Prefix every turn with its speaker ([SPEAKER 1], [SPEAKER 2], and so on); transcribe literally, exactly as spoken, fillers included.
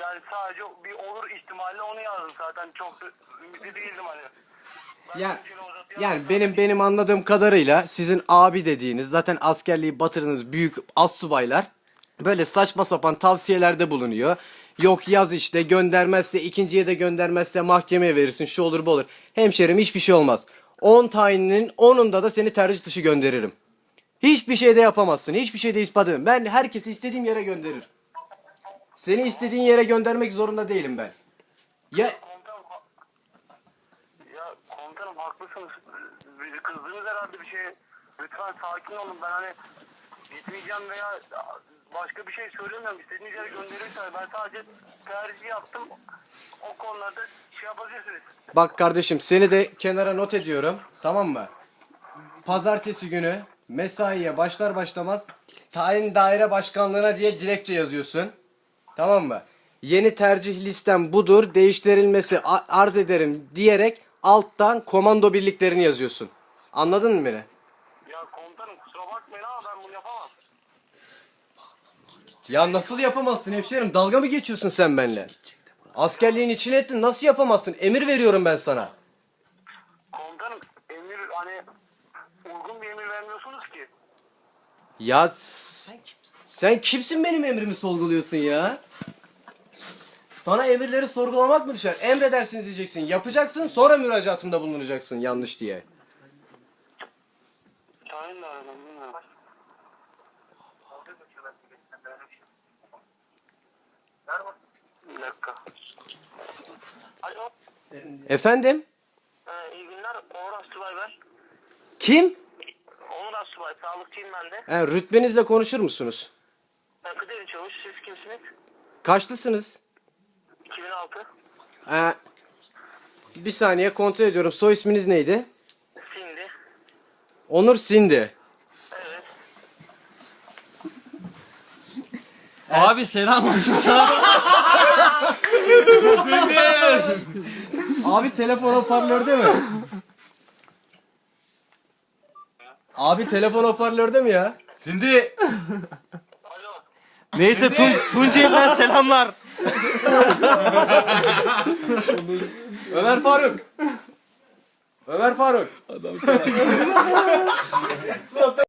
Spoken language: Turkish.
[SPEAKER 1] Yani sadece bir olur ihtimalle onu yazdım zaten. Çok da ümitli değildim hani. Ben
[SPEAKER 2] Ya,
[SPEAKER 1] zinciri uzatıyorum.
[SPEAKER 2] yani benim benim anladığım kadarıyla sizin abi dediğiniz zaten askerliği batırdığınız büyük astsubaylar böyle saçma sapan tavsiyelerde bulunuyor. Yok yaz işte, göndermezse ikinciye de göndermezse mahkemeye verirsin, şu olur bu olur. Hemşerim, hiçbir şey olmaz. on tayininin onunda da seni tercih dışı gönderirim. Hiçbir şey de yapamazsın. Hiçbir şey de ispat edemem. Ben herkesi istediğim yere gönderirim. Seni istediğin yere göndermek zorunda değilim ben. Ya
[SPEAKER 1] Komutanım, ha- ya komutanım haklısınız. Bizi kızdınız herhalde bir şey. Lütfen sakin olun. Ben hani gitmeyeceğim veya başka bir şey söylemiyorum. İstediğiniz yere gönderirseniz ben sadece tercih yaptım. O konularda şey yapabilirsiniz.
[SPEAKER 2] bak kardeşim, seni de kenara not ediyorum. Tamam mı? Pazartesi günü mesaiye başlar başlamaz tayin daire başkanlığına diye dilekçe yazıyorsun. Tamam mı? Yeni tercih listem budur, değiştirilmesi a- arz ederim diyerek alttan komando birliklerini yazıyorsun. Anladın mı beni?
[SPEAKER 1] Ya komutanım kusura bakmayın ama ben bunu yapamam.
[SPEAKER 2] Ya nasıl yapamazsın hemşerim? Dalga mı geçiyorsun sen benimle? Askerliğin içine ettin, nasıl yapamazsın? Emir veriyorum ben sana.
[SPEAKER 1] Komutanım emir hani uygun bir emir vermiyorsunuz ki.
[SPEAKER 2] Ya s- sen kimsin benim emrimi sorguluyorsun ya? Sana emirleri sorgulamak mı düşer? Emredersiniz diyeceksin, yapacaksın, sonra müracaatında bulunacaksın yanlış diye.
[SPEAKER 1] Şahin de aradım bilmiyorum. Bir dakika. Alo.
[SPEAKER 2] Efendim?
[SPEAKER 1] Ee, iyi günler. Onur Asubay ben.
[SPEAKER 2] Kim?
[SPEAKER 1] Onur Asubay. Sağlıkçıyım ben de.
[SPEAKER 2] He, rütbenizle konuşur musunuz?
[SPEAKER 1] Ben Kıdemli Çavuş. Siz kimsiniz?
[SPEAKER 2] Kaçlısınız?
[SPEAKER 1] iki bin altı.
[SPEAKER 2] Ee, bir saniye kontrol ediyorum. Soy isminiz neydi?
[SPEAKER 1] Sindi.
[SPEAKER 2] Onur Sindi.
[SPEAKER 1] Evet.
[SPEAKER 3] Abi selam olsun sana.
[SPEAKER 2] Abi telefon hoparlörde mi? Abi telefon hoparlörde mi ya?
[SPEAKER 3] Şimdi
[SPEAKER 1] Alo.
[SPEAKER 3] neyse Tun Tunceli'den selamlar.
[SPEAKER 2] Ömer Faruk. Ömer Faruk.